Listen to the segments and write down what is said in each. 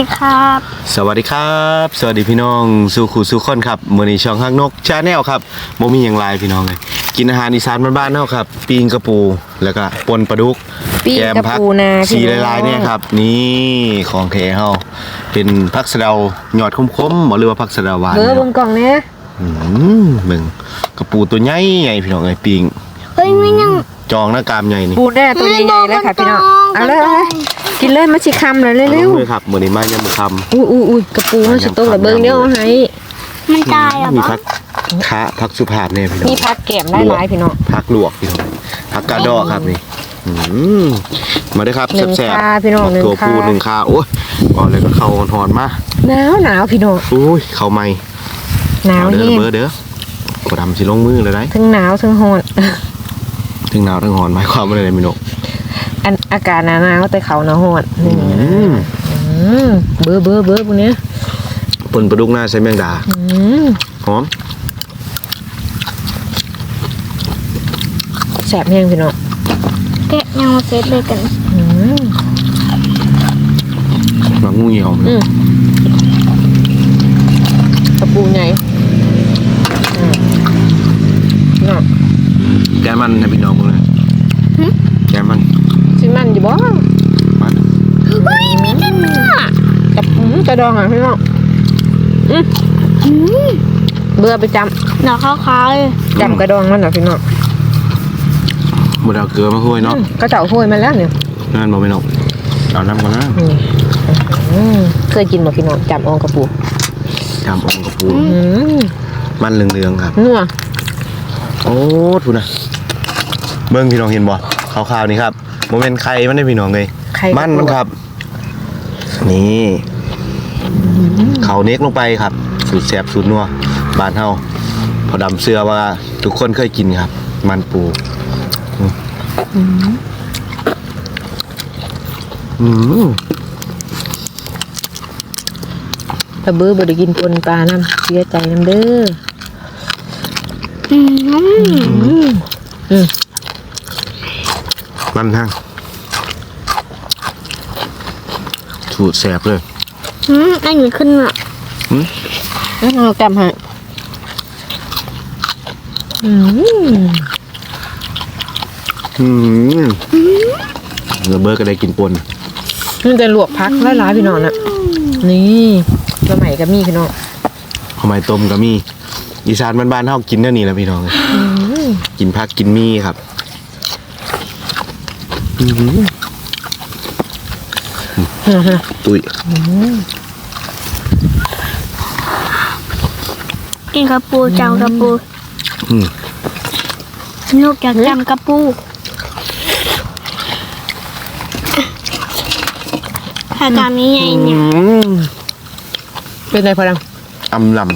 ครับสวัสดีครับสวัสดีพี่น้องสู่ขู่สู่คนครับมื้อนี้ช่องฮักนกชาแนลครับบ่มีหยังหลายพี่น้องเลยกินอาหารอีสานบ้านๆเฮาครับปิ้งกระปูแล้วก็ปนปลาดุกปิ้งกระปูนาสีลายๆเนี่ยครับนี่ของแท้เฮาเป็นผักสะเดาหยอดคมๆบ่หรือว่าผักสะเดาหวานเบอร์บนกล่องเนี่ยมึงกระปูตัวใหญ่ๆพี่น้องเอ้ยปิ้งเฮ้ยไม่ยังจองหน้ากามใหญ่นี่ปูแน่ตัวใหญ่ๆแล้วค่ะพี่น้องเอาเลยกินเลยมาสิคำเลยเร็วๆครับมื้อนี้มายังบ่คำอุ้ยกระปูมันสิตกระเบิงเดียวให้มันตายอ่ะมีผักคะผักสุภาพเนี่ยพี่น้องมีผักแก้มได้หลายพี่น้องผักลวกพี่น้องผักกาดอกครับนี่มาได้ครับแซ่บๆพี่น้องตัวปูหนึ่งคาโอ้ยบอกเลยก็เข้าหอนมาหนาวพี่น้องโอ้ยเข้าไม่หนาวเด้อเบอร์เด้อขอดำสิลงมือเลยได้ทั้งหนาวทั้งหอนทั้งหนาวทั้งหอนหมายความว่าอะไรพี่น้องอากาศหนาวแต่เขาหนาวหอนเบอร์พวกนี้ปนปลาดุกหน้าใส่แมงดาหอมแสบแห้งพี่น้องแกะยังมาเซตเลยกันบางงูเหี่ยวกระปูใหญ่แกมันนะพี่น้องมึงเลยแกมันชิมันอยู่บ่มันเฮ้ยมีแต่เนื้อกระดองอ่ะพี่น้องเบื่อไปจำหนักขาวๆเลยจำกระดองมันนะพี่น้องหมดเอาเกลือมาคุยเนาะก็เจ้าคุยมาแล้วเนี่ยนั่นบอกพี่น้องเอาน้ำก่อนนะเคยกินบ่พี่น้องจำองกระปูจำองกระปูมันเหลืองๆครับนัวโอ้ทุนะเบิ้งพี่น้องเห็นบ่ขาวๆนี่ครับโมเมนต์ไข่มันได้พี่น้องเลยมันครับนี่เขาเน็กลงไปครับสูตรแซ่บสูตรนัวบ้านเฮาพอดำเสื้อว่าทุกคนเคยกินครับมันปูตะเบื้อบ่ได้กินปนปลาน้ำเสียใจน้ำเด้อมันทั้งสูตรแซ่บเลยอันนี้ขึ้นอ่ะเราจำให้ระเบิดก็ได้กินปนนี่จะลวกพักหลายๆพี่น้องน่ะนี่สมัยก็มีพี่น้องทำไมต้มก็มีอีสานบ้านๆเฮากินเท่านี้แหละพี่น้องกินพักกินมีครับตุ้ยกินกระปูจำกระปูนกอยากจำกระปูถ้าจำนี้ไงเนี่ยเป็นไรพอดังอำลำ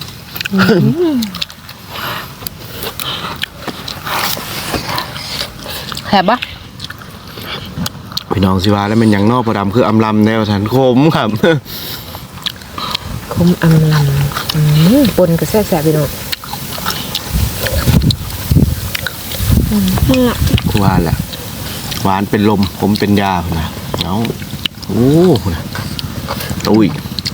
แสบปะพี่น้องสิว่าแล้วมันยังนอกประดำคืออำลำแนวสันคมครับคมอำลำปนกับแซ่บพี่น้องหวานแหละหวานเป็นลมผมเป็นยานะเอาโอ้ตุ้ย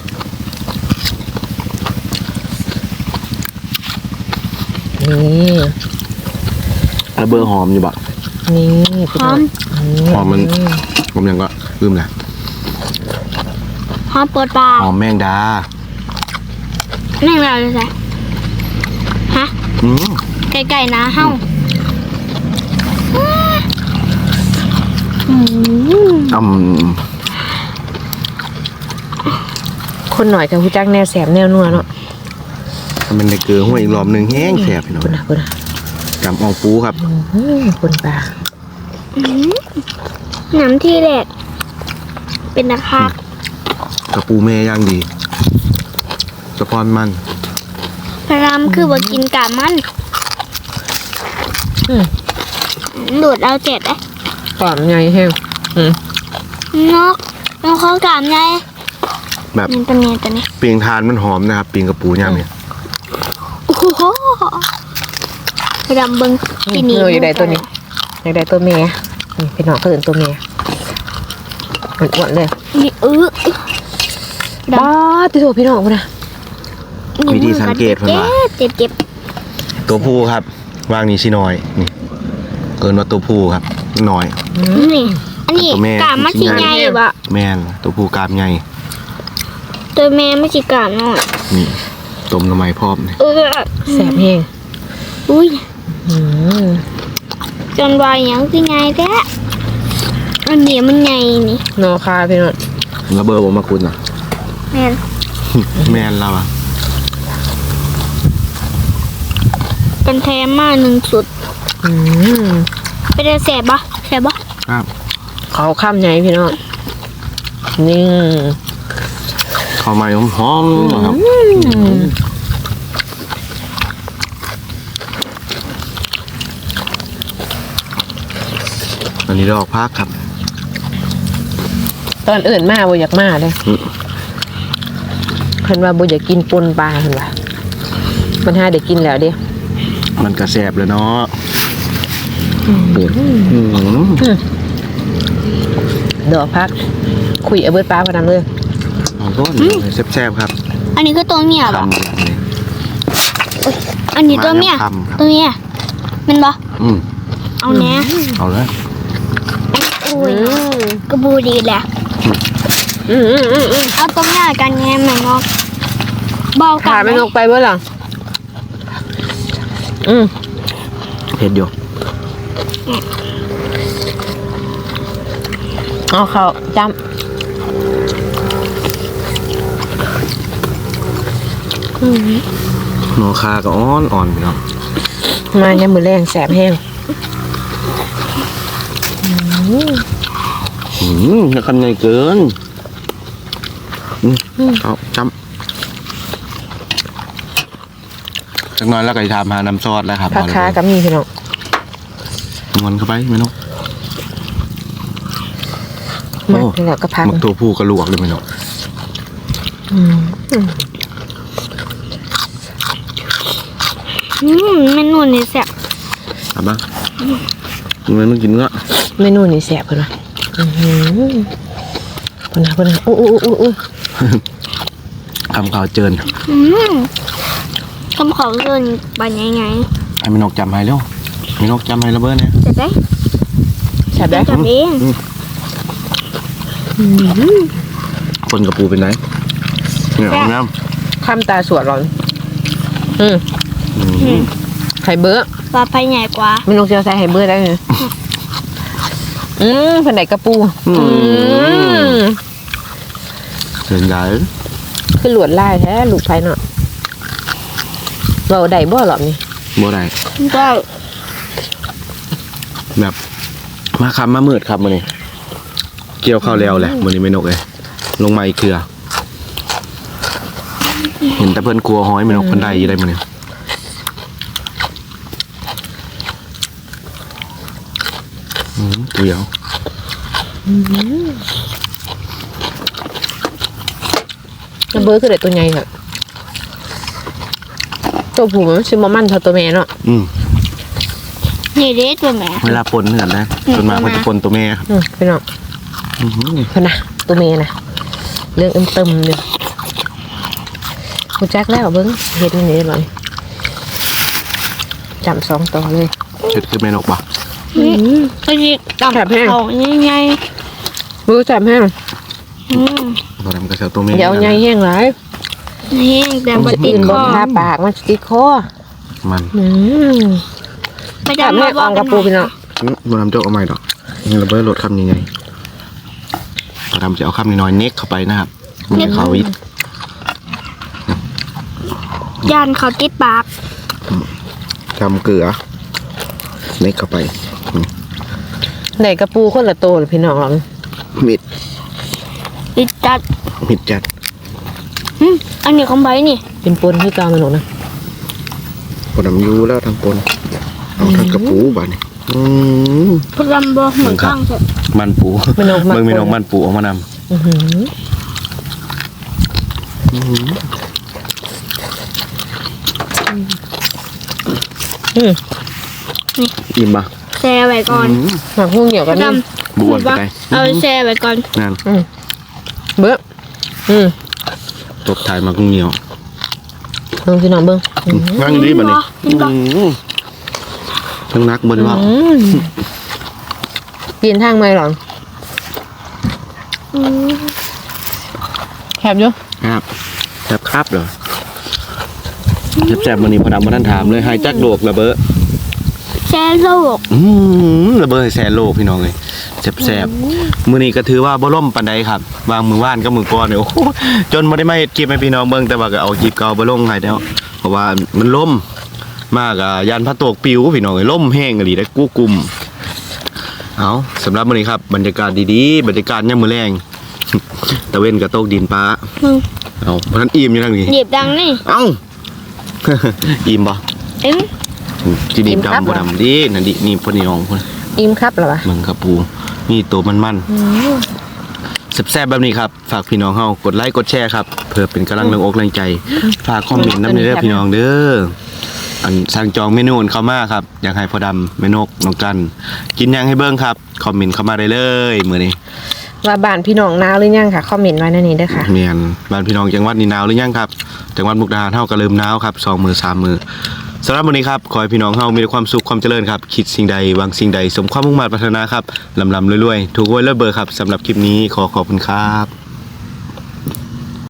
นี่ระเบิดหอมอยู่บักนี่หอมมันผมยังก็ลืมแหละหอมเปิดปากหอมแมงดาแมงดาเลยใช่ฮะไก่นะเฮ้าคนหน่อยกับผู้จักแนวแสบแนวนัวเนาะมันได้เกลือหัวอีกรอบหนึ่งแห้งแสบพี่น้องจำอองปูครับคนปลาน้ำที่แรกเป็นนะคะกระปูแม่ย่างดีสปอนมันพรามคือว่ากินกามันดูดเอาเจ็ดเลยกามใหญ่แห้งนกเขากามใหญ่แบบตัวนี้ปีงทานมันหอมนะครับปีงกระปูย่างเนี่ยโอ้โหพรามเบิ้งที่นี่อยากได้ตัวนี้อยากได้ตัวเมียนี่พี่น้องเขาเห็นตัวเมียมันอ้วนเลยนี่ป้าติโถพี่น้องพุ่นน่ะวิธีสังเกตเพิ่นว่าเจ็บตัวผู้ครับวางนี่สิน้อยนี่เกินว่าตัวผู้ครับน้อยนี่อันนี้ตัวแม่กามมันสิใหญ่บ่แม่นตัวผู้กรามใหญ่ตัวแม่มันสิกามน้อยนี่ต้มหน่อไม้พร้อมนี่แสบแห้งอุ้ยอืมจนวายหยังสิใหญ่แท้อันนี้มันใหญ่นี่นอคาพี่น้องระเบิดบ่มาคุณน่ะแม่นแม่นเราอ่ะเป็นแท้มา1สุดอืมไปได้แสบบ่ครับเขาข้ามใหญ่พี่น้องนี่ข้าวใหม่หอมๆนะครับอันนี้ดอกพักครับตอนอื่นมาบ่อยากมาเลยอืมเพิ่นว่าบ่อยากกินปนปลาเพิ่นว่ามันหาได้กินแล้วเด้มันกระแสบเลยเนาะปวดดอกพัก คุยเอาเบิดปลาพอนำเลยเอาต้นแซ่บๆครับอันนี้ก็ตัวเมียบ่คำแบบนี้อันนี้ตัวเมียมาแล้วคำครับตัวเมียแมันบ่อืมเอาแน่เอาเลยอุ้ยกระบูดีแหละ เอาตัวเมียกันไงแม่งอกเบากัขาไม่นกไปเบิดหรอเผ็ดอยู่เอาเขาจหนูคาก็อ่อนๆไปเนาะำมาเนี่ยมือแรงแสบแห้งจะคันใหญ่เกินเอาจำจักหน้อยแล้วก็จะทำหาน้ำซอสแล้วครับผักขากับมีพี่น้องงอนเข้าไปไหมน้องมาแล้วก็พักมักตัวผู้กระลวกเลยไหมน้องเมนูนี่แซ่บทำบ้างมันกินเนื้อเมนูนี่แสบเพิ่นว่าเพิ่นนะอู้คำข่าวเจินคำขอเกินไปไงไอ้แม่นกจำให้เร็วแม่นกจำให้ระเบิดเนี่ยจะได้แสบได้จับเองคนกับปูเป็นไงเนี่ยเอาน้ข้ามตาสวดร้อนไข่เบื้อปลาไปใหญ่กว่าเมนูเจียวใส่ไข่เบื้อได้เลยเพิ่นได้กระปูเดินใหญ่คือหลวดลายแท้ลูกไผเนาะเราได้บ่หรอกนี่บ่ได้ก็แบบมาคำมามืดครับมื้อนี้เกี่ยวข้าวแล้วแหละมื้อนี้แม่นกเลยลงมาอีกเทื่อเห็นแต่เพิ่นกลัวหอยแม่นกเพิ่นได้อยู่ได้มื้อนี้เดี๋ยวกระเบื้อคือได้ตัวใหญ่ค่ะตัวผู้มันสิบ่มันเท่าตัวแม่เนาะนี่เด็ดตัวแม่เวลาปนเหมือนนะส่วนมากเขาจะปนตัวแม่ครับพี่น้องเพิ่นน่ะตัวแม่น่ะเรื่องเติมเลยกูจักแล้วเบิ่งเฮ็ดนี่เลยจำ2ตัวเลยเช็ดคือแม่นกบ่ก็ยิบตับเขาใหญ่มือจับแห้งพอทำกระเช้าตัวแม่เดี๋ยวใหญ่แห้งหลายนี่แต่บติดนคบ่อทาปากมันสิติดคอมันไปจับดำแม่มาบอออก กกัระนปูพี่น้องมันทำเจ้าเอาใหม่ดอกนี่ระเบิดรถคำยังไงพอทำจะเอาคำน้อยๆเน็กเข้าไปนะครับมันจะเข้าวิทย่านเขาติดปากทำเกลือเน็กเข้าไปได้กระปูคนละโตเลยพี่น้องเรามิดติดจัดมิดจัดอันนี้ของใบนี่เป็นปนที่กลางมันหนูนะพอทำยูแล้วทำปนเอาทำกระปูบ้านี่พลัมบอเหมือนข้างเถอะมันปูไม่นกเมืองมีนกมันปูออกมานนี่อิ่มปะแช่ไว้ก่อนหมักหุ้งเหนียวพกันลันี่มบวนไปเอาแช่ไว้ก่อนนั่นเบื้อตบถ่ายมากุ้งเหนียวเบิ่งพี่น้องเบิ่งนั่งดีบ่นี่ทั้งนักบ่ได้ว่ากินทางไหมหรอแคบอยู่ครับครับเหรอแซ่บๆมื้อนี้พอดำบ่ทันถามเลยหายจักโลกระเบ้อแช่โลกระเบ้อให้แซ่โลกพี่น้องเอ้ยแซ่บๆมื้อนี้ก็ถือว่าบ่ล่มปานใดครับวางมือว่านกับมือก่อนเนี่ยโอ้โหจนบ่ได้มาเฮ็ดคลิปให้พี่น้องเบิ่งแต่ว่าก็เอาคลิปเก่าบ่ลงให้แล้วเพราะว่ามันล่มมากอ่ะยานพระตกปิวพี่น้องเอ้ยล่มแห้งอีหลีได้กู้กุมเอาสำหรับมื้อนี้ครับบรรยากาศดีๆบรรยากาศยามมื้อแลงตะเว้นก็ตกดินฟ้าเอาเพราะนั้นอิ่มอยู่ทางนี้หยิบดังนี่เอ้า อิ่มบ่เอ็งจีนีบดำบ่ดำดินั่นดินี่พอดีน้องพุ่นอิ่มครับเหรอวะมึงครับปูนี่ตัวมันๆแซ่บๆแบบนี้ครับฝากพี่น้องเฮากดไลค์กดแชร์ครับเพื่อเป็นกำลังแรงอกแรงใจฝากคอมเมนต์นำในเด้อพี่น้องเด้ออันสั่งจองเมนูเข้ามาครับอยากให้พ่อดำแม่นกน้องกัน กินยังให้เบิ่งครับคอมเมนต์เข้ามาได้เลยมื้อนี้ว่าบ้านพี่น้องหนาวหรือยังค่ะคอมเมนต์ไว้ในนี้เด้อค่ะเมียนบ้านพี่น้องจังหวัดนี่หนาวหรือยังครับจังหวัดมุกดาหารเฮาก็เริ่มหนาวครับ2มื้อ3มื้อสำหรับวันนี้ครับขอให้พี่น้องเฮามีแต่ความสุขความเจริญครับคิดสิ่งใดหวังสิ่งใดสมความมุ่งมั่นปรารถนาครับลำๆรวยๆถูกหวยรวยเบอร์ครับสำหรับคลิปนี้ขอขอบคุณครับ